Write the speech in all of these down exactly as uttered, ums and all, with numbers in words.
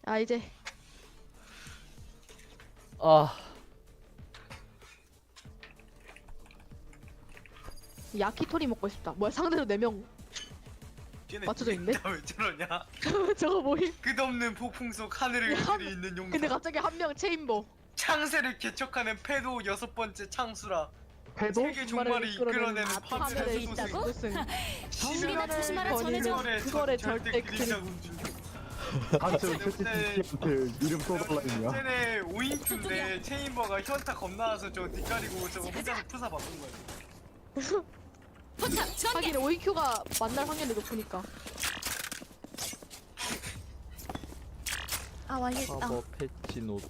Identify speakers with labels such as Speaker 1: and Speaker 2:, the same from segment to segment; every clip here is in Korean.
Speaker 1: 아 이제
Speaker 2: 아
Speaker 1: 야키토리 먹고 싶다. 뭐야 상대로 네 명
Speaker 3: 걔네
Speaker 1: 맞춰져 있네?
Speaker 3: 왜 저러냐?
Speaker 1: 저거 뭐임?
Speaker 3: 끝없는 폭풍 속 하늘을
Speaker 1: 야,
Speaker 3: 그리 있는 용사.
Speaker 1: 근데 갑자기 한 명 체인버.
Speaker 3: 창세를 개척하는 패도 여섯 번째 창수라.
Speaker 4: 패도?
Speaker 3: 세계 종말을 이끌어내는
Speaker 1: 아,
Speaker 3: 파멸의
Speaker 1: 파멸의
Speaker 3: 소생.
Speaker 5: 있다고?
Speaker 1: 무슨
Speaker 5: 정비나 조심하라 전해줘.
Speaker 1: 그거를 절대
Speaker 3: 그림자
Speaker 1: 그
Speaker 3: 군주.
Speaker 4: 단체로 채팅한테 이름 써달라니냐?
Speaker 3: 쟤네 오인큐인데 체인버가 현타 겁나서 저 뒷가리고 저거 혼자서 푸사 바꾼 거야.
Speaker 5: 포탑 전개.
Speaker 1: 하긴 오이큐가 만날 확률이 높으니까.
Speaker 6: 아 맛있다.
Speaker 2: 사버 패치노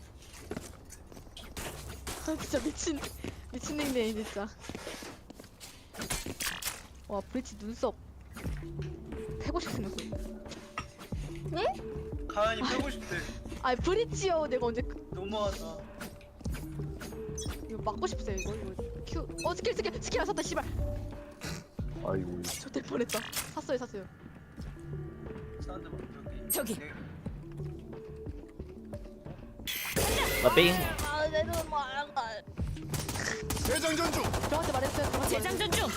Speaker 1: 아, 진짜 미친 미친 닉네임 진짜. 와 브리치 눈썹 패고 싶은 거.
Speaker 3: 가만히 빼고 싶대.
Speaker 1: 아 브리치요 내가 언제 그-
Speaker 3: 너무하다.
Speaker 1: 이거 막고 싶어요 이거 이거 큐. 어 스킬 스킬 스킬 안 샀다 씨발.
Speaker 4: 아이고.
Speaker 1: 저될 뻔했다. 샀어요 샀어요.
Speaker 3: 사람들 막
Speaker 5: 저기.
Speaker 3: 네.
Speaker 2: 나빙
Speaker 6: 아 내는 말가.
Speaker 1: 저한테 말했어요. 저한테
Speaker 5: 재장전 중.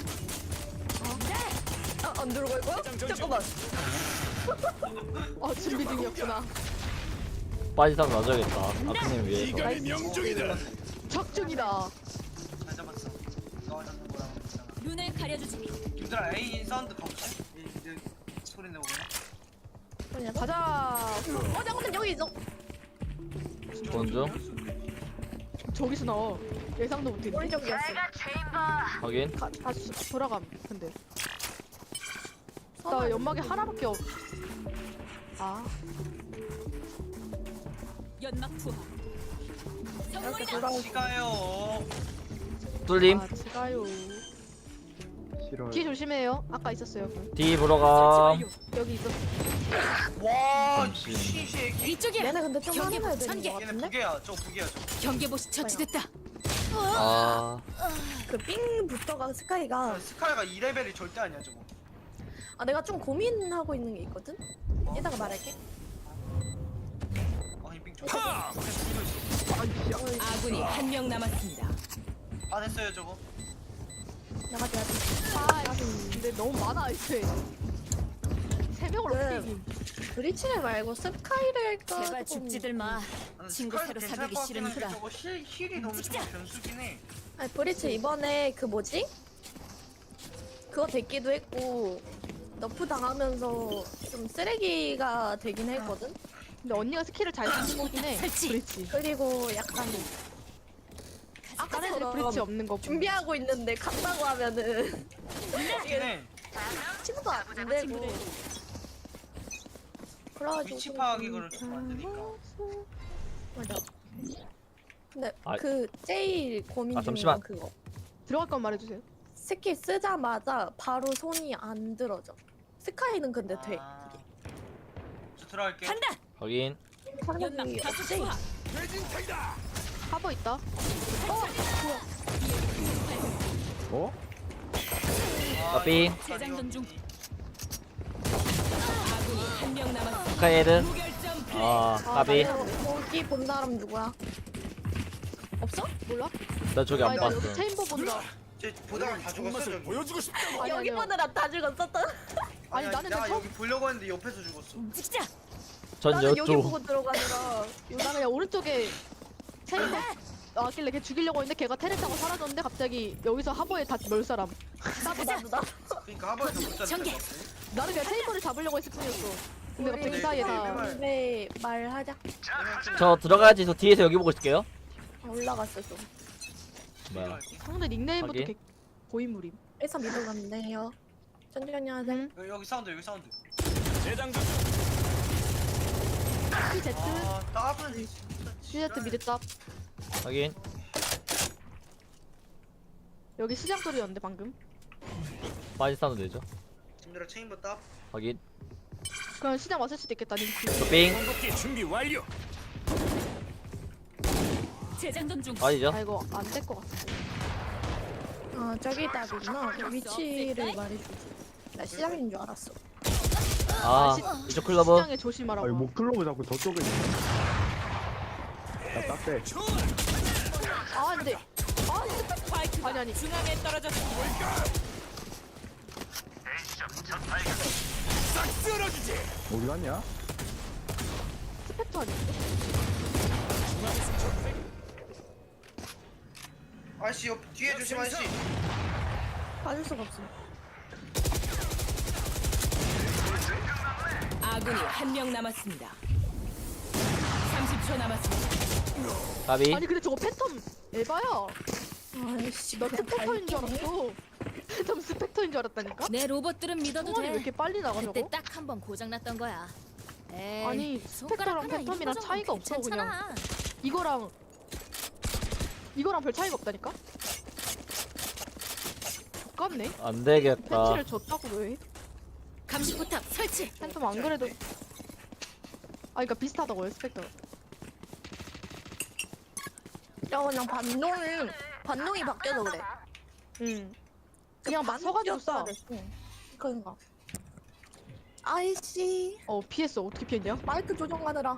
Speaker 6: 아안 들어갈 거야? 잠깐만.
Speaker 1: 말했어요. 어 준비 중이었구나.
Speaker 2: 빠지상 놔줘야겠다 아크님 위해서
Speaker 1: 적중이다.
Speaker 3: 잘 잡았어. 너가 잡는 거랑 있잖아.
Speaker 5: 눈을 가려주지.
Speaker 3: 얘들아 A 사운드 가보자. 이제 소리 내고 그래.
Speaker 1: 가자.
Speaker 6: 어 잠깐만 여기 있어.
Speaker 2: 본중
Speaker 1: 저기서 나와. 예상도 못했네.
Speaker 6: 오른쪽이었어.
Speaker 2: 확인
Speaker 1: 가, 다시 돌아감. 근데 나 연막이 하나밖에 없. 아
Speaker 5: 연막 투하.
Speaker 6: 이렇게
Speaker 5: 성공이다.
Speaker 6: 돌아오고.
Speaker 3: 시가요.
Speaker 2: 뚫림
Speaker 1: 아 제가요.
Speaker 4: 싫어요.
Speaker 1: 뒤 조심해요. 아까 있었어요.
Speaker 2: D 보러감
Speaker 1: 여기 있었어.
Speaker 3: 와,
Speaker 2: 잠시.
Speaker 3: 시시.
Speaker 5: 이쪽이야.
Speaker 6: 얘네 근데 좀
Speaker 5: 경계
Speaker 6: 화내야 되는
Speaker 5: 전개.
Speaker 6: 거
Speaker 3: 얘네
Speaker 6: 같은데?
Speaker 3: 부계야. 저 부계야. 저.
Speaker 5: 경계보시 처치됐다.
Speaker 2: 아
Speaker 6: 그 삥부터가 스카이가
Speaker 3: 아, 스카이가 이 레벨이 절대 아니야 저거.
Speaker 6: 아 내가 좀 고민하고 있는 게 있거든? 이따가 말할게.
Speaker 3: 아니 빙 저거. 있어.
Speaker 5: 아군이 한 명 남았습니다.
Speaker 3: 아 됐어요 저거.
Speaker 6: 나가줘야 돼.
Speaker 1: 아 근데 너무 많아 이제. 세 명을
Speaker 6: 네.
Speaker 1: 어떻게 이김?
Speaker 6: 브리치를 말고 스카이를 할까?
Speaker 5: 제발
Speaker 6: 조금-
Speaker 5: 죽지들 마.
Speaker 3: 나는
Speaker 5: 친구
Speaker 3: 스카이도
Speaker 5: 새로
Speaker 3: 괜찮을
Speaker 5: 사귀기
Speaker 3: 것 같긴 한데
Speaker 5: 싫은구나.
Speaker 3: 저거 힐, 힐이 너무
Speaker 5: 움직이자.
Speaker 3: 좀 변수긴 해.
Speaker 6: 아니 브리치 이번에 그 뭐지? 그거 됐기도 했고 너프 당하면서 좀 쓰레기가 되긴 했거든?
Speaker 1: 근데 언니가 스킬을 잘 쓰는 거긴 해.
Speaker 5: 설치.
Speaker 1: 브리치.
Speaker 6: 그리고 약간
Speaker 1: 다른 애들이
Speaker 6: 아까처럼
Speaker 1: 브리치 없는 거.
Speaker 6: 준비하고 있는데 간다고 하면은
Speaker 3: 그렇긴 해.
Speaker 6: 친구도 안 되고 그래가지고
Speaker 3: 위치
Speaker 6: 좀-
Speaker 3: 파악이 그걸 좀 만드니까.
Speaker 6: 맞아. 근데
Speaker 2: 아.
Speaker 6: 그 제일 고민
Speaker 2: 아,
Speaker 6: 중인
Speaker 2: 잠시만.
Speaker 6: 건 그거
Speaker 1: 들어갈 건 말해주세요.
Speaker 6: 스킬 쓰자마자 바로 손이 안 들어져. 스카이는 근데 돼.
Speaker 3: 아, 저 들어갈게.
Speaker 5: 간다.
Speaker 2: 확인
Speaker 5: 연막
Speaker 6: 사람이
Speaker 5: 다수
Speaker 6: 없지?
Speaker 5: 투하.
Speaker 1: 하버 있다.
Speaker 4: 어?
Speaker 3: 아,
Speaker 2: 나빙
Speaker 3: 이거
Speaker 5: 재장전 중.
Speaker 3: 스카이언니.
Speaker 5: 아군이 한 명 남았습니다.
Speaker 2: 스카이헤드
Speaker 5: 무결점 플레이.
Speaker 2: 아 까비
Speaker 6: 거기 본 사람 누구야? 없어?
Speaker 1: 몰라?
Speaker 2: 나 저기 안
Speaker 1: 아, 나
Speaker 2: 봤어
Speaker 1: 여기 체인버 본다.
Speaker 3: 쟤 보다가 다 죽었어 저기.
Speaker 1: 아니,
Speaker 6: 여기
Speaker 1: 아니요.
Speaker 6: 보느라 다 죽었었다.
Speaker 1: 아니,
Speaker 3: 아니,
Speaker 1: 나는
Speaker 3: 내가
Speaker 1: 저-
Speaker 3: 여기 보려고 했는데 옆에서 죽었어.
Speaker 5: 움직이자.
Speaker 2: 전
Speaker 6: 나는 여기
Speaker 2: 여쪽
Speaker 6: 보고 들어가느라.
Speaker 1: 나 그냥 오른쪽에 체인버 나왔길래 걔 죽이려고 했는데 걔가 테레 타고 사라졌는데 갑자기 여기서 하버에 다 멸 사람.
Speaker 6: 나도 나도 나.
Speaker 3: 그러니까 하버에서 못
Speaker 5: 전개.
Speaker 3: 잡는
Speaker 1: 나는 그냥 체인버를 잡으려고 했을 뿐이었어. 근데 갑자기
Speaker 3: 우리
Speaker 1: 그 사이에
Speaker 3: 네,
Speaker 1: 다
Speaker 3: 네,
Speaker 6: 네 말하자.
Speaker 2: 저 들어가야지 저 뒤에서 여기 보고 있을게요
Speaker 6: 아, 올라갔어 좀.
Speaker 2: 뭐야
Speaker 1: 상대 닉네임부터
Speaker 2: 확인.
Speaker 1: 개 고인물임.
Speaker 6: 일사 미도 갔네요. 천천히 하세요.
Speaker 1: 응?
Speaker 3: 여기, 여기 사운드 여기 사운드.
Speaker 1: T Z,
Speaker 3: 아 따블 진짜.
Speaker 1: T Z 미드 탑.
Speaker 2: 확인
Speaker 1: 여기 시장 소리였는데 방금.
Speaker 2: 빠지 사운드 되죠
Speaker 3: 님들아 체인버 따.
Speaker 2: 확인
Speaker 1: 그럼 시장 왔을 수도 있겠다. 님.
Speaker 2: 빙
Speaker 5: 재장전 중.
Speaker 2: 아니죠
Speaker 1: 아 이거 안 될 것 같아.
Speaker 6: 아 저기 답이구나. 위치를 말해주지. 나 시장인 줄 알았어.
Speaker 2: 아
Speaker 1: 시-
Speaker 2: 이쪽 클로버.
Speaker 1: 시장에 조심하라고.
Speaker 4: 아니 뭐 클로브 자꾸 저쪽에 있네. 야 딱대.
Speaker 1: 아 근데
Speaker 5: 스파이크가
Speaker 1: 아니, 아니.
Speaker 5: 중앙에 떨어졌습니다.
Speaker 4: 어디 갔냐?
Speaker 1: 스펙터 아니야?
Speaker 3: 아씨 옆 뒤에 조심 아저씨.
Speaker 6: 빠질 수가 없어.
Speaker 5: 아군이 한 명 남았습니다. 삼십 초 남았습니다.
Speaker 2: 가비.
Speaker 1: 아니 근데 저거 패턴 에바야.
Speaker 6: 아이씨,
Speaker 1: 나
Speaker 6: 그냥
Speaker 1: 스펙터인 줄
Speaker 6: 갈게.
Speaker 1: 알았어. 패턴 스펙터인 줄 알았다니까?
Speaker 7: 내 로봇들은 믿어도
Speaker 1: 성원이 왜
Speaker 7: 돼.
Speaker 1: 이렇게 빨리 나가
Speaker 7: 그때
Speaker 1: 저거?
Speaker 7: 딱 한 번 고장났던 거야. 에이,
Speaker 1: 아니
Speaker 7: 손가락
Speaker 1: 스펙터랑
Speaker 7: 하나
Speaker 1: 패턴이랑
Speaker 7: 이거 정도는
Speaker 1: 차이가 없어 그냥.
Speaker 7: 괜찮잖아.
Speaker 1: 이거랑 이거랑 별 차이가 없다니까? 족같네.
Speaker 2: 안 되겠다.
Speaker 1: 패치를 줬다고 왜?
Speaker 7: 감시 포탑 설치.
Speaker 1: 팬텀 안 그래도 아 그니까 비슷하다고요 스펙터.
Speaker 6: 야 그냥 반동이 반동이 바뀌어서 그래.
Speaker 1: 응. 그냥 막 서가지고
Speaker 6: 써야
Speaker 1: 쏴.
Speaker 6: 돼. 그러니까. 아이씨,
Speaker 1: 어 피했어. 어떻게 피했냐?
Speaker 6: 마이크 조정하느라.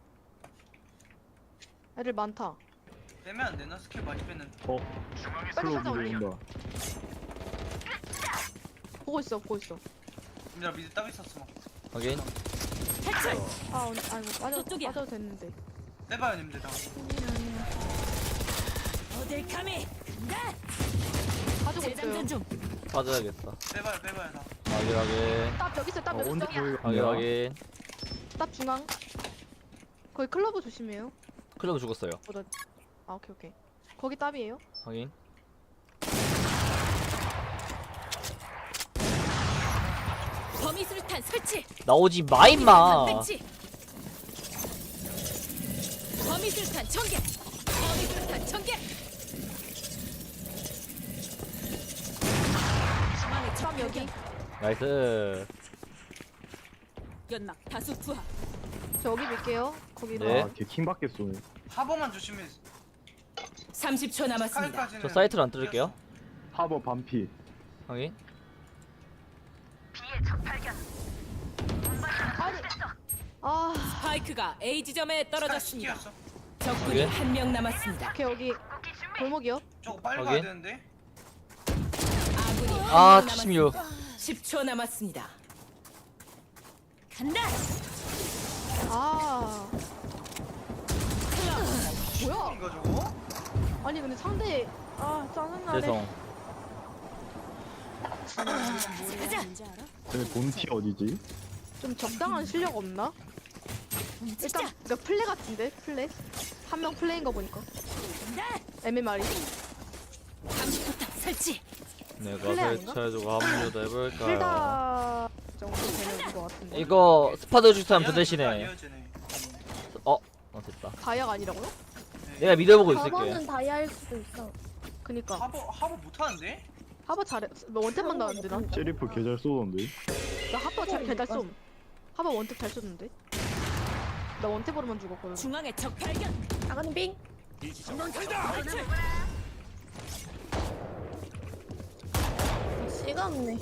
Speaker 1: 애들 많다.
Speaker 3: 빼면 안 되나? 스킬 많이 뺐는데.
Speaker 4: 어.
Speaker 1: 빨리
Speaker 4: 클로브
Speaker 1: 찾아 올려.
Speaker 4: 들어온다.
Speaker 1: 보고 있어 보고 있어.
Speaker 3: 얘들아 미드 따고 있었어 막.
Speaker 2: 확인.
Speaker 1: 아 오늘 아이고 빠져
Speaker 5: 저쪽이야.
Speaker 1: 빠져도 됐는데.
Speaker 3: 빼봐요 님들 다.
Speaker 5: 어딜 감히?
Speaker 1: 가지고
Speaker 5: 재장전
Speaker 1: 있어요.
Speaker 5: 중.
Speaker 2: 빠져야겠다.
Speaker 3: 빼봐요 빼봐요 다.
Speaker 2: 확인 확인.
Speaker 1: 딱 여기 있어 딱
Speaker 4: 어,
Speaker 1: 여기
Speaker 4: 언제
Speaker 1: 있어.
Speaker 4: 보이가
Speaker 2: 확인 확인.
Speaker 1: 딱 중앙. 거기 클러브 조심해요.
Speaker 2: 클로버 죽었어요.
Speaker 1: 어, 나... 아 오케이 오케이. 거기 답이에요.
Speaker 2: 확인.
Speaker 7: 범위 수류탄 설치.
Speaker 2: 나오지 마 임마.
Speaker 7: 배치. 범위 수류탄 전개. 범위 수류탄 전개. 중앙에
Speaker 1: 참 여기.
Speaker 2: 나이스.
Speaker 5: 연막 다수 투하.
Speaker 1: 저 여기 밀게요. 거기로.
Speaker 2: 네.
Speaker 4: 아, 걔 킹밖에 쏘네.
Speaker 3: 하버만 조심해.
Speaker 5: 삼십 초 남았습니다.
Speaker 3: 스카이까지는.
Speaker 2: 저 사이트로 안 뚫을게요.
Speaker 4: 하버 반피.
Speaker 2: 확인.
Speaker 1: 아니. 아
Speaker 5: 스파이크가 A 지점에 떨어졌습니다.
Speaker 3: 뛰었어.
Speaker 5: 적군이
Speaker 2: 오케이.
Speaker 5: 한 명 남았습니다.
Speaker 1: 오케이 여기 골목이요.
Speaker 3: 저거 빨리
Speaker 2: 오케이.
Speaker 3: 가야 되는데.
Speaker 5: 아군이
Speaker 2: 아
Speaker 5: 한 명
Speaker 2: 칠십육.
Speaker 5: 남았습니다. 십 초 남았습니다.
Speaker 7: 간다.
Speaker 1: 아 뭐야?
Speaker 3: 이거 저거?
Speaker 1: 아니 근데 상대 아 짜증나네.
Speaker 2: 죄송.
Speaker 7: 가자.
Speaker 4: 쟤 본티 어디지?
Speaker 1: 좀 적당한 실력 없나?
Speaker 7: 움직자.
Speaker 1: 일단 그러니까 플레 같은데 플레 한 명 플레인 거 보니까
Speaker 7: 간다.
Speaker 1: 엠엠알이
Speaker 7: 감시 포탑 설치.
Speaker 2: 내가
Speaker 1: 플레이 아닌가?
Speaker 2: 설치해주고 합류도 해볼까요?
Speaker 1: 필다 정도 되는 거 같은데.
Speaker 2: 이거 스파드 주스하면 저
Speaker 3: 아니야,
Speaker 2: 대신에.
Speaker 3: 쟤네.
Speaker 2: 어? 어 됐다.
Speaker 1: 다이아가 아니라고요?
Speaker 2: 내가 믿어보고 있을게.
Speaker 6: 저번은 다이아일 수도 있어.
Speaker 1: 그니까
Speaker 3: 하버 하버 못하는데?
Speaker 1: 하버 잘해. 너 원탭만 나왔는데 나?
Speaker 4: 셰리프 개잘 쏘던데.
Speaker 1: 나 하버 잘 개잘 쏨. 하버 원탭 잘 쏘는데? 나 원탭으로만 죽었거든.
Speaker 5: 중앙에 적 발견.
Speaker 6: 나가는 빙. 시간 없네.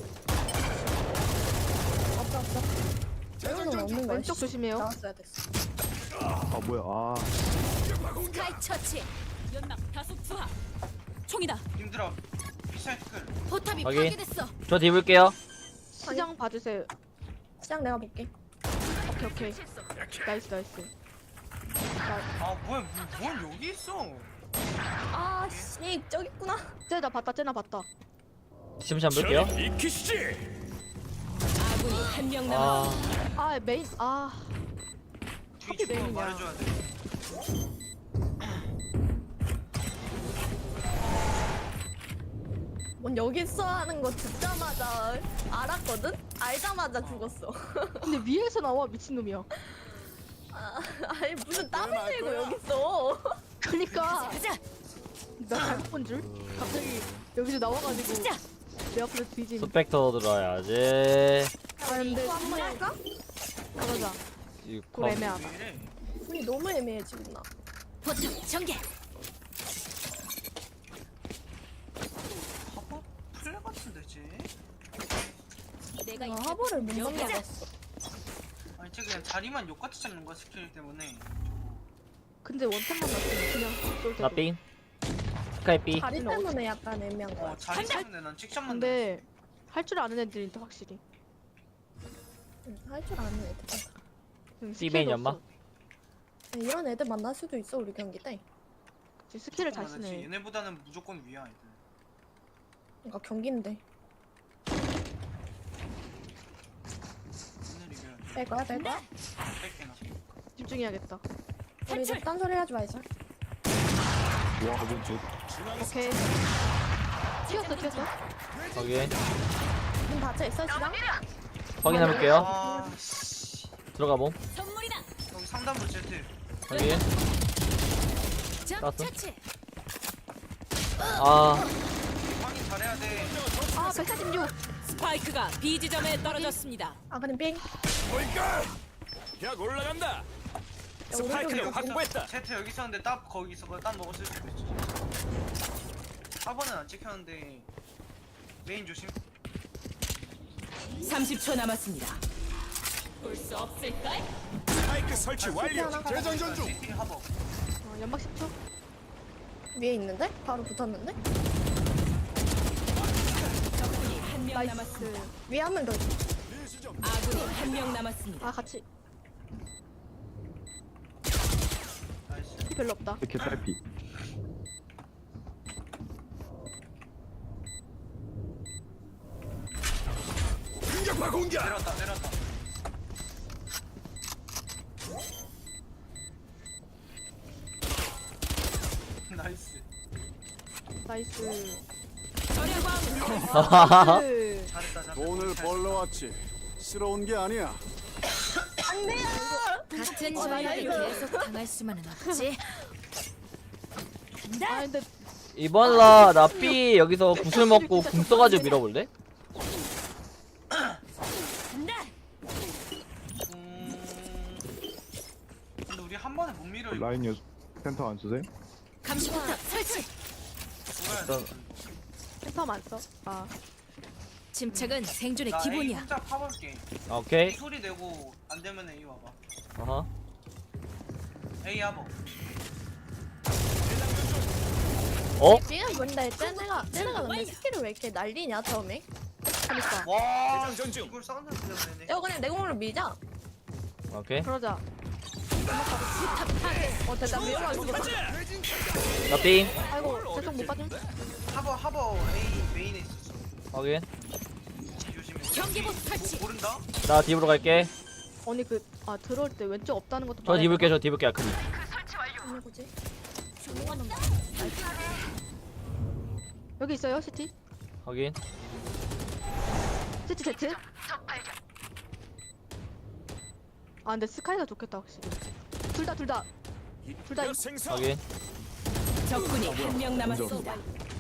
Speaker 6: 없어 없어. 이거는 없는 거야.
Speaker 1: 왼쪽 조심해요.
Speaker 6: 나왔어야 됐어.
Speaker 4: 아 뭐야? 아
Speaker 7: 스카이 처치.
Speaker 5: 연막 다수 투하. 총이다.
Speaker 3: 님들아 비사이트 클.
Speaker 7: 포탑이
Speaker 2: 확인.
Speaker 7: 파괴됐어.
Speaker 2: 저 뒤 볼게요.
Speaker 1: 시장 봐주세요.
Speaker 6: 시장 내가 볼게.
Speaker 1: 오케이 오케이. 나이스 나이스.
Speaker 3: 아 뭐야 뭐- 뭘 여기 있어?
Speaker 6: 아, 씨, 저기 있구나.
Speaker 1: 쟤나 봤다 쟤나 봤다.
Speaker 2: 잠시 한번 볼게요.
Speaker 5: 아군이 한 명 남았습니다.
Speaker 2: 아
Speaker 1: 아 메인 아
Speaker 3: 뒤
Speaker 1: 메인이야.
Speaker 3: 주고 말해줘야 돼.
Speaker 6: 뭔 여기 있어 하는 거 듣자마자 알았거든? 알자마자 죽었어.
Speaker 1: 근데 위에서 나와 미친놈이야.
Speaker 6: 아, 아니, 무슨 땀을 흘리고 여기 있어.
Speaker 1: 그니까
Speaker 7: 가자.
Speaker 1: 나 잘못 본 줄? 갑자기 여기서 나와가지고
Speaker 7: 진짜.
Speaker 1: 내 앞에서 뒤짐.
Speaker 2: 스펙터 들어야지.
Speaker 6: 아, 근데 한번 할까?
Speaker 1: 가보자.
Speaker 2: 이
Speaker 1: 그거 애매하다.
Speaker 3: 왜 이래?
Speaker 6: 손이 너무 애매해, 지금 나.
Speaker 7: 포탑 전개.
Speaker 3: 하버 플레 같은데 쟤?
Speaker 7: 내가
Speaker 6: 나
Speaker 7: 이제
Speaker 6: 하버를 못
Speaker 7: 여기자.
Speaker 6: 만나봤어.
Speaker 3: 그냥 자리만 욕같이 잡는 거야 스킬 때문에.
Speaker 1: 근데 원탑만 났으면 그냥 쏠 때도.
Speaker 2: 나 삥. 스카이 삐.
Speaker 6: 다리 때문에 약간 애매한 거야.
Speaker 3: 어 자리 때문에 난 칙샷만.
Speaker 1: 근데 할 줄 아는 애들이 확실히.
Speaker 6: 할 줄 아는 애들.
Speaker 1: 응,
Speaker 2: C맨
Speaker 1: 스킬도
Speaker 2: 연마?
Speaker 1: 없어.
Speaker 6: 이런 애들 만날 수도 있어 우리 경기 때.
Speaker 1: 그치, 스킬을 잘
Speaker 3: 많았지.
Speaker 1: 쓰네.
Speaker 3: 얘네보다는 무조건 위야 애들.
Speaker 6: 그러니까 경기인데.
Speaker 3: 오늘 이겨야 돼.
Speaker 6: 뺄 거야 뺄 거야?
Speaker 3: 뺄게나.
Speaker 1: 집중해야겠다.
Speaker 6: 우리 이제 딴소리 하지 말자.
Speaker 4: 와 이거 저
Speaker 1: 오케이. 튀었어 튀었어.
Speaker 2: 확인.
Speaker 6: 문 닫혀 있어 지금?
Speaker 2: 확인해볼게요.
Speaker 3: 아 씨.
Speaker 2: 들어가 봄.
Speaker 7: 선물이다.
Speaker 3: 여기 상단부 제트.
Speaker 2: 확인.
Speaker 7: 적
Speaker 2: 땄어.
Speaker 7: 처치.
Speaker 2: 아,
Speaker 3: 확인 잘해야 돼.
Speaker 1: 아 백사십육.
Speaker 5: 스파이크가 B 지점에 떨어졌습니다.
Speaker 6: 아 그럼 빙.
Speaker 8: 약 올라간다.
Speaker 6: 야,
Speaker 8: 스파이크를
Speaker 6: 오른쪽에
Speaker 8: 확보했다.
Speaker 3: 제트 여기 있었는데 딱 거기 있어. 딴 먹었을 수도 있지. 사 번은 안 찍혔는데 메인 조심.
Speaker 5: 삼십 초 남았습니다.
Speaker 7: 볼 수 없을까?
Speaker 8: 스파이크 설치 완료.
Speaker 3: 재장전 중. 시티 하버.
Speaker 1: 어, 연막 십 초.
Speaker 6: 위에 있는데? 바로 붙었는데?
Speaker 5: 적군이 한 명
Speaker 1: 나이스.
Speaker 5: 남았습니다.
Speaker 6: 위에 한 명 더 있어.
Speaker 5: 아군이 한 명 남았습니다.
Speaker 1: 아 같이.
Speaker 3: 나이스.
Speaker 1: 피 별로 없다.
Speaker 4: 이렇게 딸피.
Speaker 8: 공격파 공격.
Speaker 3: 내렸다 내렸다. 나이스.
Speaker 1: 나이스.
Speaker 5: 저렴한
Speaker 1: 나이스.
Speaker 3: 잘했다 잘했다.
Speaker 4: 돈을 벌러 왔지. 쓸어온 게 아니야.
Speaker 7: 같은
Speaker 1: 어,
Speaker 7: 전략을
Speaker 1: 나이스.
Speaker 7: 계속 당할 수만은 없지.
Speaker 1: 아 근데
Speaker 2: 이번 라, 나 삐 여기서 구슬 먹고 궁 써가지고 밀어볼래?
Speaker 3: 음... 근데 우리 한 번에 못 밀어. 이거.
Speaker 4: 라인 여 센터 안 쓰세요?
Speaker 7: 감시포탑 설치.
Speaker 3: 돌아야 돼.
Speaker 1: 템텀 안 써. 아
Speaker 7: 침착은 생존의
Speaker 3: 나 A
Speaker 7: 기본이야.
Speaker 3: 혼자 파볼게.
Speaker 2: 아, 오케이.
Speaker 3: 소리 내고 안 되면 A 와봐.
Speaker 2: 어허.
Speaker 3: A 하버.
Speaker 2: 어?
Speaker 6: 지금 근데 쟤네가 쟤네가 근데 스킬을 왜 이렇게 날리냐 처음에?
Speaker 1: 그니까.
Speaker 3: 와.
Speaker 8: 대장전 중.
Speaker 3: 이걸 사운드 들려내네.
Speaker 6: 이거 그냥 내공으로 밀자.
Speaker 2: 오케이.
Speaker 1: 그러자. 어 됐다 밀어가지고.
Speaker 2: 나 삥.
Speaker 1: 아이고 죄송 못 빠짐.
Speaker 3: 하버 하버 A 메인에 있었어.
Speaker 2: 확인.
Speaker 3: 조심해.
Speaker 7: 경계복 설치.
Speaker 3: 모른다?
Speaker 2: 나 딥으로 갈게.
Speaker 1: 아니 그 아 들어올 때 왼쪽 없다는 것도.
Speaker 2: 저
Speaker 1: 말해야
Speaker 2: 딥을게,
Speaker 1: 되나?
Speaker 2: 저 딥을게, 아크리.
Speaker 6: 어느 거지?
Speaker 1: 여기 있어요 시티.
Speaker 2: 확인.
Speaker 1: 시티 제트. 아 근데 스카이가 좋겠다 확실히. 둘 다 둘 다. 둘 다.
Speaker 8: 생성.
Speaker 2: 확인.
Speaker 5: 적군이 한 명 남았습니다.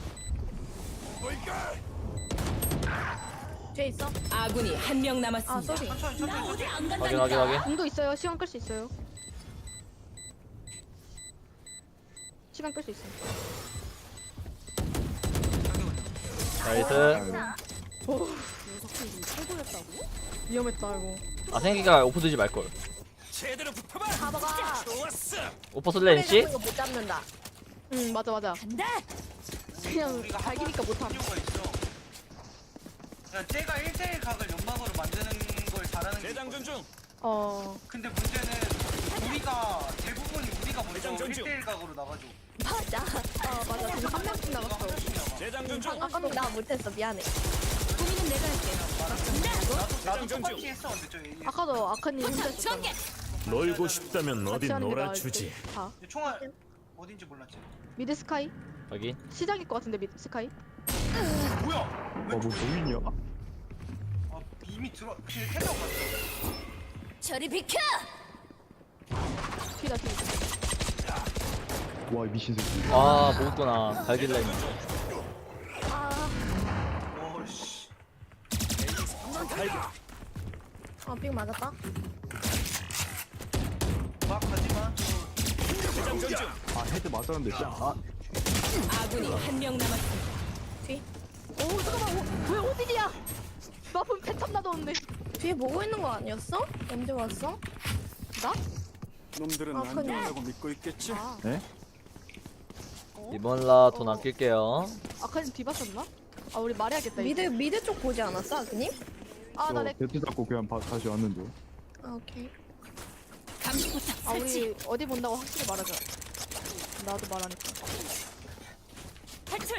Speaker 6: 뒤에 있어.
Speaker 5: 아군이 한 명
Speaker 6: 아
Speaker 5: 남았습니다.
Speaker 6: 쏘리.
Speaker 3: 천천히 천천히.
Speaker 7: 어디 안
Speaker 2: 확인, 확인, 확인.
Speaker 1: 궁도 있어요. 시간 끌 수 있어요. 시간 끌 수 있어.
Speaker 2: 나이스.
Speaker 1: 위험했다 이거.
Speaker 2: 아, 생기가 오퍼 두지 말걸.
Speaker 8: 제대로 붙어봐.
Speaker 6: 가봐가.
Speaker 8: 좋았어.
Speaker 2: 오퍼 쓸래, NC?
Speaker 6: 이거 못 잡는다.
Speaker 1: 응 맞아 맞아.
Speaker 7: 간다.
Speaker 1: 그냥
Speaker 3: 우리가
Speaker 1: 발기니까 못함.
Speaker 3: 이유가 있어. 야, 쟤가 일 대일 각을 연막으로 만드는 걸 잘하는 게
Speaker 8: 대장전
Speaker 3: 있거든.
Speaker 8: 중.
Speaker 1: 어
Speaker 3: 근데 문제는 우리가 대부분이 우리가 먼저
Speaker 8: 대장전 중.
Speaker 3: 일 대일 각으로 나가죠.
Speaker 6: 맞아.
Speaker 1: 어, 맞아. 지금 한 명씩
Speaker 3: 우리가 한
Speaker 1: 나갔어.
Speaker 3: 명씩 나가.
Speaker 8: 대장전 중.
Speaker 6: 아까도 나 못했어 미안해.
Speaker 7: 고민은 내가 할게.
Speaker 3: 나도 나도
Speaker 8: 대장전 중.
Speaker 3: 똑같이 했어 근데 저 A.
Speaker 1: 아까도 아카님 혼자
Speaker 7: 포탑 전개.
Speaker 1: 있었잖아.
Speaker 8: 놀고 싶다면
Speaker 1: 같이
Speaker 8: 어디
Speaker 1: 하는 게 나을
Speaker 8: 놀아주지.
Speaker 1: 듯. 다.
Speaker 3: 총알 어딘지 몰랐지.
Speaker 1: 미드 스카이?
Speaker 2: 확인.
Speaker 1: 시작일 것 같은데 미드 스카이?
Speaker 3: 뭐야?
Speaker 4: 와뭐 노인이야?
Speaker 3: 아 이미 들어. 그냥 태적 갔어.
Speaker 7: 저리 비켜.
Speaker 1: 뒤다 뒤.
Speaker 4: 와이 미친 새끼.
Speaker 2: 아, 못구나. 갈길라 했는데.
Speaker 6: 아,
Speaker 3: 오씨.
Speaker 6: 아, 빙 맞았다.
Speaker 3: 막 가지마.
Speaker 8: 대장전 중.
Speaker 4: 아 헤드 맞았는데 진짜. 아
Speaker 5: 아군이 한 명 남았습니다.
Speaker 1: 오 잠깐만 오, 왜 오딘이야? 마품 패턴 나도 없네.
Speaker 6: 뒤에 보고 있는 거 아니었어? 언제 왔어?
Speaker 1: 나?
Speaker 4: 놈들은
Speaker 6: 아,
Speaker 4: 안
Speaker 6: 그냥-
Speaker 4: 된다고 믿고 있겠지?
Speaker 1: 아,
Speaker 4: 네?
Speaker 1: 어?
Speaker 2: 이번 라 돈
Speaker 1: 어.
Speaker 2: 아낄게요.
Speaker 1: 아카님 뒤봤었나? 아 우리 말해야겠다.
Speaker 6: 미드
Speaker 1: 이제.
Speaker 6: 미드 쪽 보지 않았어, 아그님?
Speaker 1: 아나 내.
Speaker 4: 배트 잡고 그냥 바, 다시 왔는데.
Speaker 6: 아 오케이.
Speaker 7: 감시포탑
Speaker 1: 아
Speaker 7: 설치.
Speaker 1: 우리 어디 본다고 확실히 말하자. 나도 말하니까.
Speaker 7: 탈출.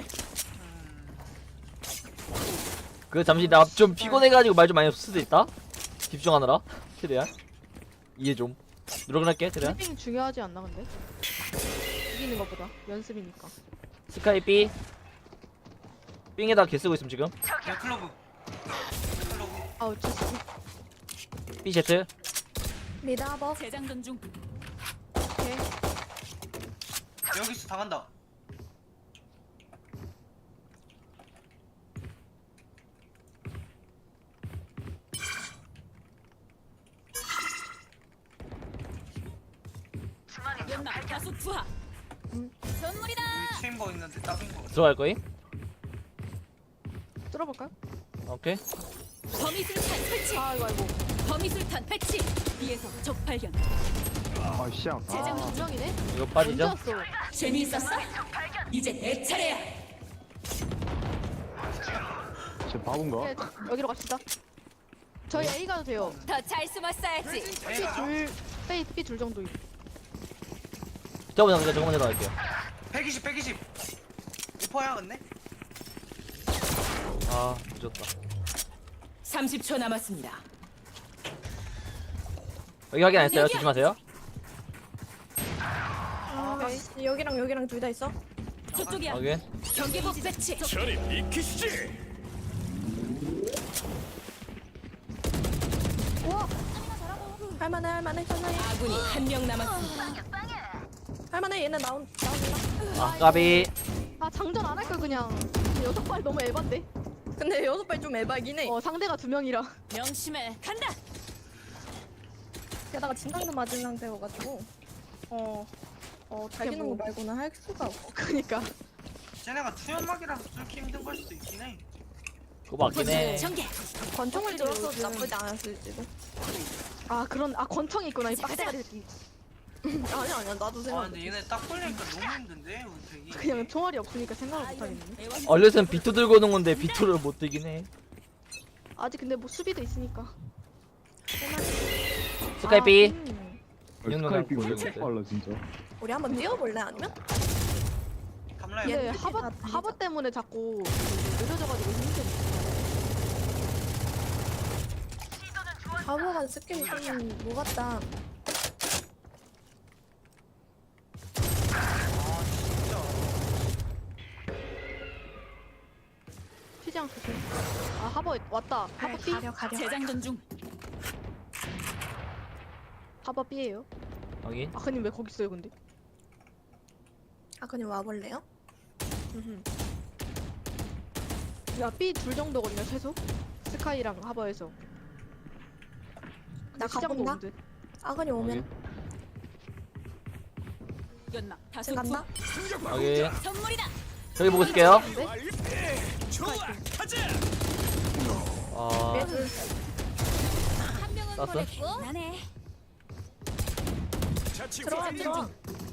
Speaker 2: 그 잠시 나 좀 피곤해가지고 말 좀 많이 없을 수도 있다. 집중하느라. 최대한 이해 좀. 노력할게 최대한.
Speaker 1: 브리핑이 중요하지 않나 근데? 이기는 것보다 연습이니까.
Speaker 2: 스카이 B. 삥에다 개 쓰고 있음 지금.
Speaker 3: 야 클로브. 클로브.
Speaker 1: 아우 진짜.
Speaker 2: B Z.
Speaker 6: 미드 하버.
Speaker 7: 재장전 중.
Speaker 1: 오케이.
Speaker 3: 여기서 당한다.
Speaker 7: 연막 다수 투하. 선물이다.
Speaker 3: 여기 체인버 있는데 딱인 거.
Speaker 2: 들어갈 거임?
Speaker 1: 뚫어볼까요?
Speaker 2: 오케이.
Speaker 7: 범위술탄 설치.
Speaker 1: 아이고 아이고.
Speaker 7: 범위술탄 배치. B에서 적 발견.
Speaker 4: 아 씨. 아,
Speaker 7: 재장전
Speaker 1: 아,
Speaker 7: 중.
Speaker 1: 명이네.
Speaker 2: 이거
Speaker 1: 언제
Speaker 2: 빠지죠?
Speaker 1: 왔어?
Speaker 7: 재미있었어? 이제 내 차례야.
Speaker 4: 쟤 바본가?
Speaker 1: 오케이, 여기로 갑시다. 저희 A 가도 돼요.
Speaker 7: 더 잘 숨었어야지.
Speaker 1: B 둘, B B 둘 정도. 있-
Speaker 2: 저번에 그냥 저거 먼저 나갈게요.
Speaker 3: 백이십 백이십. 리퍼야 근데?
Speaker 2: 아 늦었다.
Speaker 5: 삼십 초 남았습니다.
Speaker 2: 여기 확인 안 했어요. 조심하세요.
Speaker 6: 아, 오케이. 여기랑 여기랑 둘 다 있어?
Speaker 7: 저쪽이야.
Speaker 2: 확인.
Speaker 7: 경계복 배치.
Speaker 8: 저리 비키시지.
Speaker 6: 할만해 할만해 할만해
Speaker 5: 아군이 한 명 남았습니다.
Speaker 6: 할만해 얘는 나온 나온다.
Speaker 2: 아 까비.
Speaker 1: 아 장전 안 할 걸 그냥. 근데 여섯 발 너무 에반데.
Speaker 6: 근데 여섯 발 좀 에바긴 해.
Speaker 1: 어 상대가 두 명이라.
Speaker 7: 명심해. 간다.
Speaker 6: 게다가 진탕도 맞은 상태여가지고
Speaker 1: 어. 어 어떻게
Speaker 6: 달기는
Speaker 1: 뭐.
Speaker 6: 거 말고는 할 수가 없어.
Speaker 1: 그니까.
Speaker 3: 쟤네가 투연막이라서 뚫기 힘든 걸 수도 있긴 해.
Speaker 2: 그거 맞긴 해.
Speaker 7: 전개.
Speaker 6: 권총을 들었어도
Speaker 1: 요즘-
Speaker 6: 나쁘지 않았을지도.
Speaker 1: 아 그런 아 권총이 있구나 이 빡대가리 새끼.
Speaker 6: 아니야 아니야 나도
Speaker 3: 아
Speaker 6: 생각.
Speaker 3: 근데 얘네 딱 걸리니까 너무 힘든데 은택이.
Speaker 1: 그냥 총알이 없으니까 생각을 못 하겠네.
Speaker 2: 얼른 비투 들고 오는 건데 비투를 못 들긴 해.
Speaker 1: 아직 근데 뭐 수비도 있으니까.
Speaker 2: 스카이 B.
Speaker 1: 아, 음.
Speaker 2: 이 정도는
Speaker 4: 스카이피가 왜
Speaker 2: 모르겠는데.
Speaker 4: 이렇게 빨라 진짜?
Speaker 6: 우리 한번 뛰어볼래 아니면?
Speaker 3: 감라야.
Speaker 1: 얘
Speaker 6: 얘
Speaker 1: 하버
Speaker 6: 다
Speaker 1: 하버 때문에 자꾸 느려져가지고 힘든.
Speaker 6: 바보가 스킬이 좀뭐 같다.
Speaker 3: 아 진짜.
Speaker 1: 튀지 않고. 아 하버 왔다. 하버 B.
Speaker 6: 가려 가려.
Speaker 7: 재장전 중.
Speaker 1: 하버 B예요.
Speaker 2: 확인.
Speaker 1: 아크님 왜 거기 있어요 근데?
Speaker 6: 아 그냥 와볼래요?
Speaker 1: 야 B 둘 정도거든요 최소. 스카이랑 하버에서.
Speaker 6: 나
Speaker 1: 시작은
Speaker 6: 가본다.
Speaker 1: 없는데.
Speaker 6: 아그니 오면
Speaker 2: 확인.
Speaker 7: 연막 다수
Speaker 6: 지금 간다.
Speaker 7: 투하.
Speaker 2: 확인.
Speaker 7: 선물이다.
Speaker 2: 저기 보고 있을게요.
Speaker 8: 좋아. 가자.
Speaker 2: 아
Speaker 6: 얘들
Speaker 7: 한 명은
Speaker 2: 땄어?
Speaker 7: 보냈고. 나네.
Speaker 8: 자치
Speaker 6: 들어와
Speaker 8: 후.
Speaker 6: 들어와.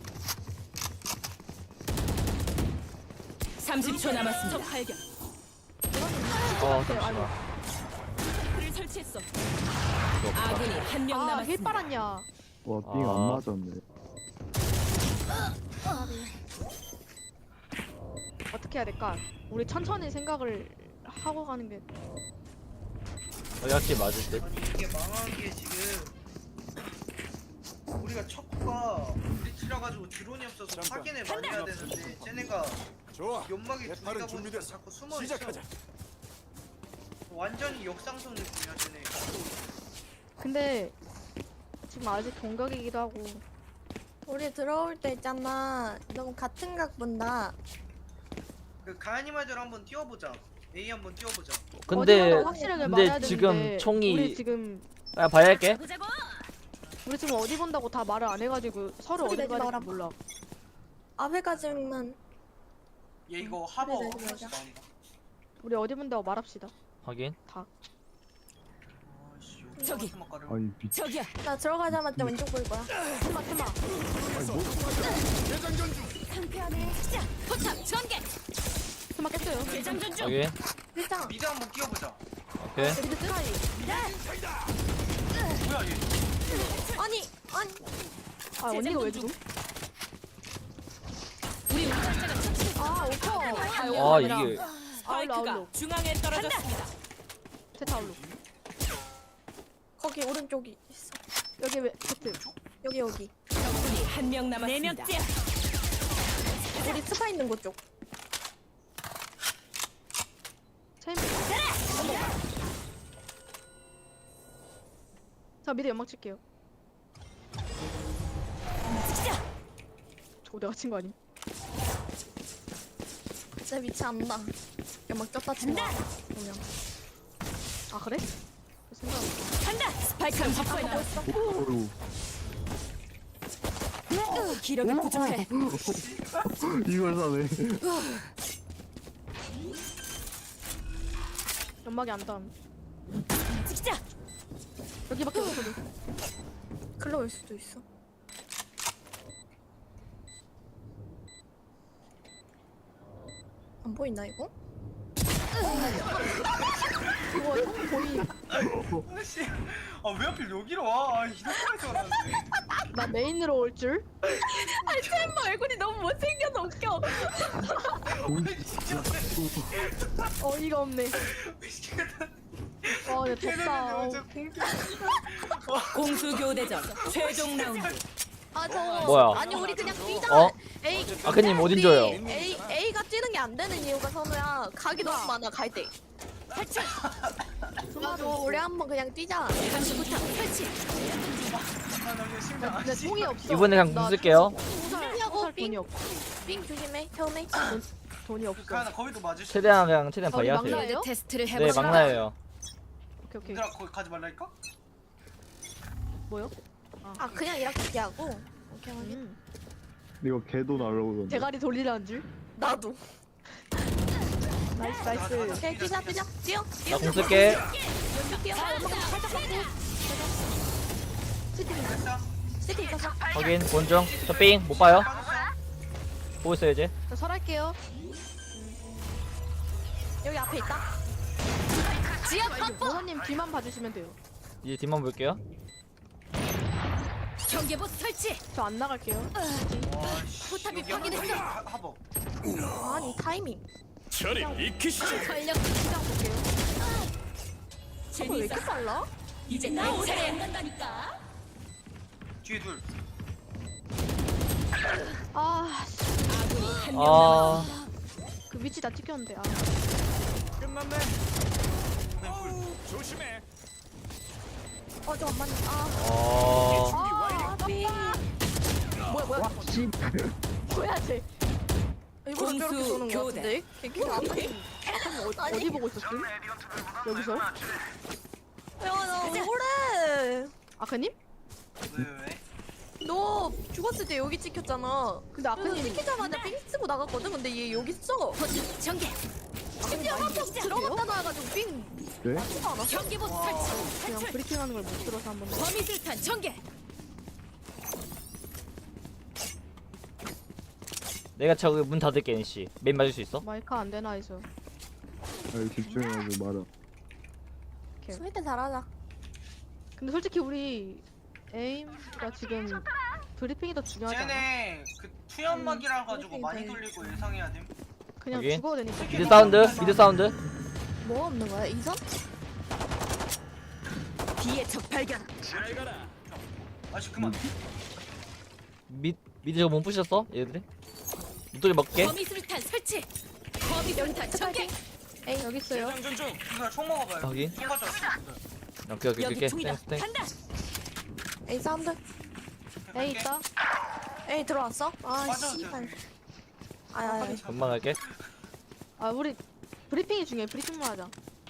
Speaker 5: 삼십 초 남았습니다.
Speaker 7: 적 발견.
Speaker 2: 어,
Speaker 1: 아이고.
Speaker 7: 그를 설치했어.
Speaker 5: 아군이 한 명
Speaker 1: 아, 힐
Speaker 5: 남았습니다.
Speaker 1: 빨았냐.
Speaker 4: 와, 삥
Speaker 2: 아.
Speaker 4: 안 맞았네.
Speaker 1: 어떻게 해야 될까? 우리 천천히 생각을 하고 가는 게.
Speaker 2: 여기 확실히 맞을 듯.
Speaker 3: 아니 이게 망한 게 지금 우리가 척구가 브리치라가지고 드론이 없어서 확인을 많이 해야 되는데 쟤네가
Speaker 8: 좋아.
Speaker 3: 연막이
Speaker 8: 내
Speaker 3: 둘이다
Speaker 8: 팔은
Speaker 3: 보니까
Speaker 8: 준비됐어.
Speaker 3: 자꾸 숨어있어.
Speaker 8: 시작하자.
Speaker 3: 완전히 역상성 느낌이야 쟤네.
Speaker 1: 근데 지금 아직 동각이기도 하고.
Speaker 6: 우리 들어올 때 있잖아. 너무 같은 각 본다.
Speaker 3: 그 가연이 말대로 한번 뛰어보자. A 한번 뛰어보자.
Speaker 2: 근데
Speaker 1: 어디라도 확실하게 말해야
Speaker 2: 근데 지금
Speaker 1: 되는데 우리
Speaker 2: 총이
Speaker 1: 지금
Speaker 2: 아 봐야 할게.
Speaker 7: 보자고.
Speaker 1: 우리 지금 어디 본다고 다 말을 안 해가지고 서로
Speaker 6: 소리
Speaker 1: 어디
Speaker 6: 내지
Speaker 1: 봐야
Speaker 6: 마라.
Speaker 1: 될지 몰라.
Speaker 6: 앞에까지만
Speaker 3: 얘 이거 하버
Speaker 6: 그래,
Speaker 3: 한
Speaker 6: 그래,
Speaker 3: 번씩
Speaker 6: 맞아.
Speaker 3: 나온다.
Speaker 1: 우리 어디 본다고 말합시다.
Speaker 2: 확인.
Speaker 1: 다.
Speaker 3: 아씨
Speaker 5: 저기.
Speaker 3: 스모커를.
Speaker 4: 아니 미.
Speaker 5: 저기야.
Speaker 6: 나 들어가자마자 왼쪽 보일 거야.
Speaker 1: 테마 테마.
Speaker 8: 대장전 중.
Speaker 7: 자, 포탑 전개.
Speaker 1: 테마 깼어요.
Speaker 7: 대장전 중.
Speaker 2: 여기.
Speaker 6: 일장.
Speaker 3: 미드 한번 끼워보자.
Speaker 2: 오케이.
Speaker 1: 미드 트라이.
Speaker 3: 뭐야 얘?
Speaker 6: 아니 아니.
Speaker 1: 아 언니가 왜 죽음?
Speaker 7: 우리 운전자가 처치.
Speaker 1: 아 오퍼.
Speaker 2: 아 이게
Speaker 1: 아울로
Speaker 5: 스파이크가
Speaker 1: 아울로.
Speaker 5: 중앙에 떨어졌습니다.
Speaker 1: 세타 아울로.
Speaker 6: 거기 오른쪽이 있어.
Speaker 1: 여기 왜 세트?
Speaker 6: 여기 여기.
Speaker 5: 적군이 한 명 남았습니다.
Speaker 7: 네 명째야.
Speaker 6: 우리 스파 있는 곳 쪽.
Speaker 1: 체인. 자 미드 연막 칠게요. 저거 내가 친 거 아니?
Speaker 6: 내 위치 안 나. 연막 쪘다 친다. 그냥.
Speaker 1: 아 그래? 생각.
Speaker 7: 간다.
Speaker 5: 스파이크를 확보해.
Speaker 4: 어우.
Speaker 5: 기력이 부족해.
Speaker 4: 이걸 사네.
Speaker 1: 연막이 안 닿음.
Speaker 7: 찍자.
Speaker 1: 여기밖에 없어도.
Speaker 6: 글로 올 수도 있어. 안 보인다 이거?
Speaker 1: 그거 형 거의
Speaker 3: 아씨. 아왜 하필 여기로 와? 아, 이렇게까지 왔는데.
Speaker 1: 나 메인으로 올 줄?
Speaker 6: 아니 챔버 얼굴이 너무 못생겨서 웃겨.
Speaker 1: 어이가 없네. 어, 내 덥다. 어,
Speaker 5: 공수 교대전 최종 라운드.
Speaker 6: 아 저거.
Speaker 2: 뭐야?
Speaker 6: 아니 우리 그냥 뛰자.
Speaker 2: 어?
Speaker 6: A.
Speaker 2: 아크님 어딘
Speaker 6: 우리
Speaker 2: 줘요?
Speaker 6: A A가 뛰는 게 안 되는 이유가 선우야. 각이 너무 많아 갈 때.
Speaker 7: 탈출.
Speaker 6: 맞아. 우리 한번 그냥 뛰자.
Speaker 7: 감시 포탑 설치.
Speaker 1: 나 근데 총이 없어.
Speaker 2: 이번에 그냥
Speaker 1: 나
Speaker 2: 공 쓸게요.
Speaker 1: 호살,
Speaker 6: 뛰냐고,
Speaker 1: 호살
Speaker 6: 삥.
Speaker 1: 돈이 없어.
Speaker 6: 삥 조심해. 처음에.
Speaker 1: 돈이 없어.
Speaker 3: 가나 거기도 맞을 수.
Speaker 2: 최대한 그냥 최대한
Speaker 1: 아, 우리
Speaker 2: 바이하세요.
Speaker 1: 막나예요?
Speaker 7: 테스트를
Speaker 2: 네
Speaker 7: 해보자.
Speaker 2: 막나예요.
Speaker 1: 오케이 오케이.
Speaker 3: 얘들아 거기 가지 말라니까?
Speaker 1: 뭐요?
Speaker 6: 아 그냥 이렇게 뛰하고. 오케이 확인.
Speaker 1: 음.
Speaker 4: 이거 개도 날라오던데.
Speaker 1: 대가리 돌리라는 줄?
Speaker 6: 나도.
Speaker 1: 나이스 나이스.
Speaker 6: 오케이 뛰자 뛰자. 뛰어. 뛰어.
Speaker 2: 나 공 쓸게.
Speaker 6: 뛰어.
Speaker 3: 됐다.
Speaker 6: 시티 있었어.
Speaker 2: 확인 본정. 저 삥 못 봐요. 보고 있어요 이제.
Speaker 1: 자 설할게요.
Speaker 6: 여기 앞에 있다.
Speaker 7: 지압 확보.
Speaker 1: 모사님 뒤만 봐주시면 돼요.
Speaker 2: 이제 뒷만 볼게요.
Speaker 7: 경계봇 설치.
Speaker 1: 저 안 나갈게요.
Speaker 3: 와씨.
Speaker 7: 포탑이 확인했어.
Speaker 3: 하버.
Speaker 6: 아니 타이밍.
Speaker 8: 저리 익히시지.
Speaker 7: 전력
Speaker 1: 시장 볼게요.
Speaker 6: 저거 왜 이렇게 빨라?
Speaker 7: 이제 나 오래 안 간다니까.
Speaker 3: 뒤에 둘.
Speaker 1: 아, 씨,
Speaker 5: 아군이 한 명
Speaker 2: 아
Speaker 5: 남았습니다.
Speaker 1: 그 위치 다 찍혔는데. 아,
Speaker 8: 끝났네.
Speaker 3: 왼풀.
Speaker 8: 조심해.
Speaker 6: 어 잠깐만. 아.
Speaker 2: 어.
Speaker 1: 아,
Speaker 6: 삐. 뭐야 뭐야?
Speaker 4: 씨.
Speaker 1: 뭐야 쟤?
Speaker 6: 일부러
Speaker 5: 공수
Speaker 6: 저렇게 쏘는 거
Speaker 5: 교대.
Speaker 6: 같은데? 걔 안 돼.
Speaker 1: 어, 어디 보고 있었음? 여기서?
Speaker 6: 야나 억울해.
Speaker 1: 아크님?
Speaker 3: 왜 왜?
Speaker 6: 너 죽었을 때 여기 찍혔잖아.
Speaker 1: 근데
Speaker 6: 그래서
Speaker 1: 아크님
Speaker 6: 찍히자마자 삥 쓰고 나갔거든. 근데 얘 여기 있어.
Speaker 7: 포탑 전개.
Speaker 6: 심지어 한명 들어갔다 나와가지고 삥
Speaker 4: 네?
Speaker 6: 맞지도 않았어.
Speaker 7: 경계봇 설치.
Speaker 1: 그냥 브리핑하는 걸 못 들어서 한번.
Speaker 7: 범위술탄 전개.
Speaker 2: 내가 저기 문 닫을게 NC. 메인 맞을 수 있어?
Speaker 1: 마이크 안 되나 해서.
Speaker 4: 아, 집중해가지고 말아.
Speaker 6: 스웨트 잘하자.
Speaker 1: 근데 솔직히 우리 에임가 지금 브리핑이 더 중요하지 않아?
Speaker 3: 쟤네 그 투연막이라 가지고
Speaker 6: 음,
Speaker 3: 많이
Speaker 6: 그러니까.
Speaker 3: 돌리고 예상해야 됨.
Speaker 1: 그냥
Speaker 2: 여기?
Speaker 1: 죽어도 되니까.
Speaker 2: 미드 사운드. 미드 사운드.
Speaker 6: 뭐 없는 거야? 이선?
Speaker 7: 뒤에 적 발견.
Speaker 8: 잘 가라.
Speaker 3: 아씨 그만.
Speaker 2: 미 미드 저거 못 부셨어? 얘들이? 무더기 먹게.
Speaker 7: 범위술탄 설치. 범위술탄 전개.
Speaker 1: 에이 여기 있어요.
Speaker 8: 대장전 중.
Speaker 3: 이거 총 먹어봐요.
Speaker 2: 확인.
Speaker 3: 총 가져왔어.
Speaker 2: 오케이 오케이
Speaker 7: 여기
Speaker 2: 오케이.
Speaker 7: 총이다.
Speaker 2: 땡스 땡스.
Speaker 7: 간다.
Speaker 6: A 사운드.
Speaker 1: 에이 있다.
Speaker 6: A 들어왔어? 아
Speaker 3: 맞아도
Speaker 6: 씨발.
Speaker 3: 돼.
Speaker 6: 아야.
Speaker 2: 금방 갈게.
Speaker 1: 아 우리 브리핑이 중요해. 브리핑만 하자.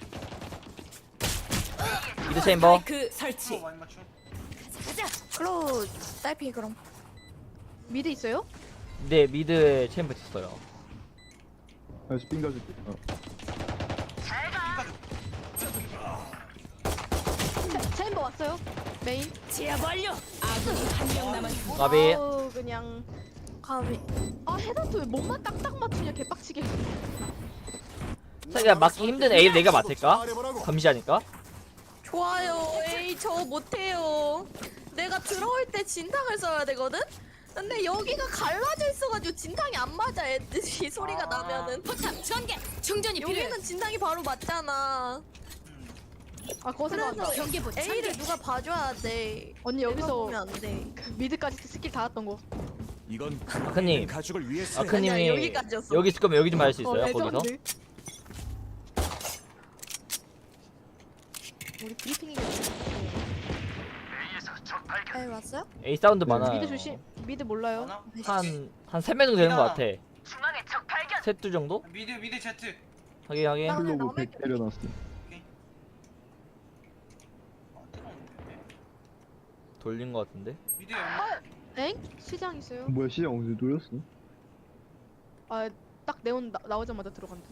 Speaker 2: 미드 체인버.
Speaker 5: 스파이크
Speaker 3: 총
Speaker 5: 설치.
Speaker 3: 많이 맞춰.
Speaker 7: 가자.
Speaker 6: 클로우 딸피 그럼.
Speaker 1: 미드 있어요?
Speaker 2: 네 미드에 체인버 있어요.
Speaker 4: 다시 삥 가줄게. 어.
Speaker 1: 체- 체인버 왔어. 뺐어요. 메인.
Speaker 5: 제압 완료. 아군이 한 명 남았습니다.
Speaker 2: 까비.
Speaker 1: 아우, 그냥.
Speaker 6: 가비.
Speaker 1: 아 헤드한테 왜 몸만 딱딱 맞추냐 개빡치게.
Speaker 2: 자기가 맞기 힘든 A를 내가 맡을까?
Speaker 4: 말해보라고.
Speaker 2: 감시하니까.
Speaker 6: 좋아요. 에이 저 못해요. 내가 들어올 때 진탕을 써야 되거든? 근데 여기가 갈라져 있어가지고 진탕이 안 맞아 애들이 소리가 나면은.
Speaker 7: 포탑 전개. 충전이 필요해.
Speaker 6: 여기는 진탕이 바로 맞잖아.
Speaker 1: 아 거기서
Speaker 6: 그래서
Speaker 7: 경계부
Speaker 6: A를
Speaker 7: 전개.
Speaker 6: 누가 봐줘야 돼.
Speaker 1: 언니
Speaker 6: 내가
Speaker 1: 여기서
Speaker 6: 보면 안 돼.
Speaker 1: 그 미드까지 스킬 다 했던 거.
Speaker 4: 이건
Speaker 2: 아크님.
Speaker 4: 가족을 위해서.
Speaker 2: 아크님이
Speaker 6: 아니야, 여기까지였어.
Speaker 2: 여기 있을 거면 여기 좀 할 수
Speaker 1: 어,
Speaker 2: 있어요? 거기서?
Speaker 1: 레전드. 우리 브리핑이겠네.
Speaker 6: 에이 왔어요?
Speaker 2: A 사운드 많아요.
Speaker 1: 미드 조심. 미드 몰라요.
Speaker 3: 하나?
Speaker 2: 한한 세 명 정도 되는 것 같아. 셋두 정도?
Speaker 3: 미드 미드 제트.
Speaker 2: 하긴 하긴.
Speaker 6: 나-
Speaker 4: 플로그 백 때려놨어.
Speaker 3: 아, 들어오는데.
Speaker 2: 돌린 것 같은데.
Speaker 3: 미드 연마.
Speaker 1: 엥? 시장 있어요.
Speaker 4: 뭐야 시장 어디서 돌렸어?
Speaker 1: 아 딱 네온 나, 나오자마자 들어간다.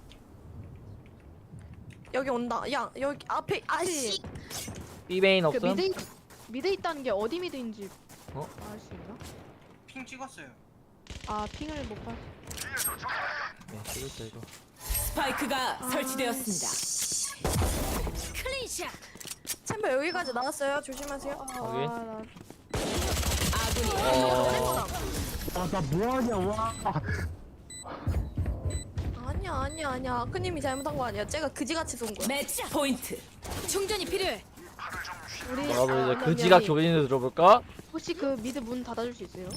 Speaker 6: 여기 온다. 야 여기 앞에 아씨.
Speaker 2: B 메인
Speaker 1: 그
Speaker 2: 없음.
Speaker 1: 미드 미드 있다는 게 어디 미드인지
Speaker 2: 어?
Speaker 1: 알 수 있나?
Speaker 3: 핑 찍었어요.
Speaker 1: 아 핑을 못 봐.
Speaker 2: 네, 찍었어 이거.
Speaker 5: 스파이크가 설치되었습니다.
Speaker 7: 클린샷.
Speaker 6: 챔버 여기까지 나왔어요. 조심하세요.
Speaker 2: 오케이.
Speaker 1: 아, 나
Speaker 5: 아군이
Speaker 2: 어.
Speaker 4: 아나 뭐하냐 와.
Speaker 6: 아니야 아니야 아니야. 아크님이 잘못한 거 아니야. 쟤가 그지같이 쏜 거야.
Speaker 5: 매치 포인트.
Speaker 7: 충전이 필요해.
Speaker 1: 우리
Speaker 2: 여러분 이제
Speaker 1: 아,
Speaker 2: 그 지각
Speaker 1: 언니,
Speaker 2: 교진을 들어볼까?
Speaker 1: 혹시 그 미드 문 닫아줄 수 있어요?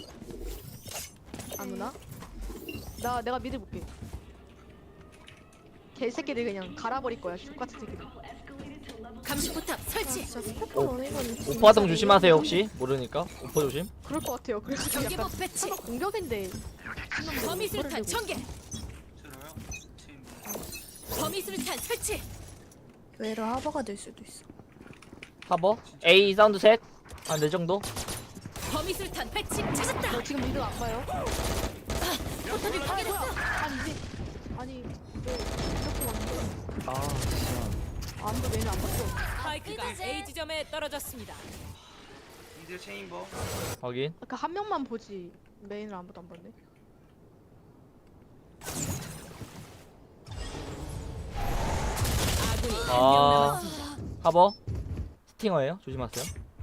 Speaker 1: 아무나? 나 내가 미드 볼게. 개새끼들 그냥 갈아버릴 거야. 족같은 새끼들.
Speaker 7: 감시 포탑 설치.
Speaker 6: 진짜 스포터 원이건
Speaker 2: 오파동 조심하세요 혹시 모르니까. 오퍼 조심.
Speaker 1: 그럴 것 같아요. 그래서
Speaker 7: 경계부
Speaker 1: 약간
Speaker 7: 배치.
Speaker 1: 서로 공격인데.
Speaker 7: 범위술탄 전개.
Speaker 3: 들어요. 체인버.
Speaker 7: 범위술탄 설치.
Speaker 6: 외로 하버가 될 수도 있어.
Speaker 2: 하버. A 사운드 셋. 한 네 정도.
Speaker 7: 범위술탄 배치 찾았다.
Speaker 1: 너 지금 미드 안 봐요?
Speaker 7: 포탑이 파괴됐어.
Speaker 1: 아니지. 아니 왜 이렇게 왔는데?
Speaker 4: 아 진짜.
Speaker 1: 아무도 메뉴 안 봤어.
Speaker 5: 스파이크가 A 지점에 떨어졌습니다.
Speaker 3: 미드 체인버.
Speaker 2: 확인.
Speaker 1: 아까 한 명만 보지. 메인을 아무도 안 봤네.
Speaker 5: 아군이 한 명
Speaker 2: 아.
Speaker 5: 남았습니다.
Speaker 2: 하버. 스팅어예요. 조심하세요.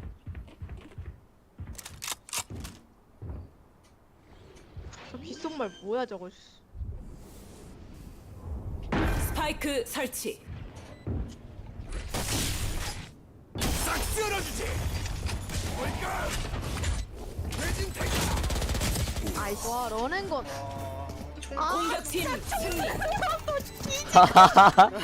Speaker 1: 저 귓속말 뭐야 저거. 씨.
Speaker 5: 스파이크 설치.
Speaker 8: 싹 쓸어주지.
Speaker 1: 아이씨. 와 런앤건.
Speaker 3: 와.
Speaker 5: 공격팀 승리.
Speaker 3: 와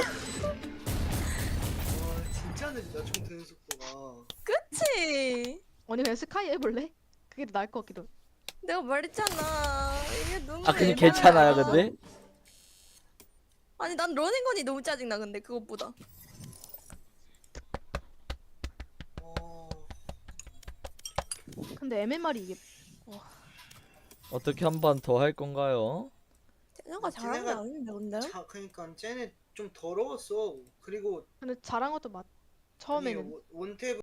Speaker 3: 진짜 느리다 총 드는 속도가.
Speaker 6: 그치?
Speaker 1: 언니 그냥 스카이 해볼래? 그게 더 나을 것 같기도.
Speaker 6: 내가 말했잖아. 이게 너무
Speaker 2: 아 근데
Speaker 6: 에바야.
Speaker 2: 괜찮아요 근데.
Speaker 6: 아니 난 런앤건이 너무 짜증나 근데 그것보다.
Speaker 3: 어.
Speaker 1: 근데 엠엠알이 이게
Speaker 2: 어떻게 한 번 더 할 건가요?
Speaker 6: 쟤네가 잘하는 게
Speaker 3: 쟤네가
Speaker 6: 아닌데 근데?
Speaker 3: 자 그러니까 쟤네 좀 더러웠어. 그리고
Speaker 1: 근데 잘한 것도 맞. 처음에는.
Speaker 3: 아니, 원- 원탭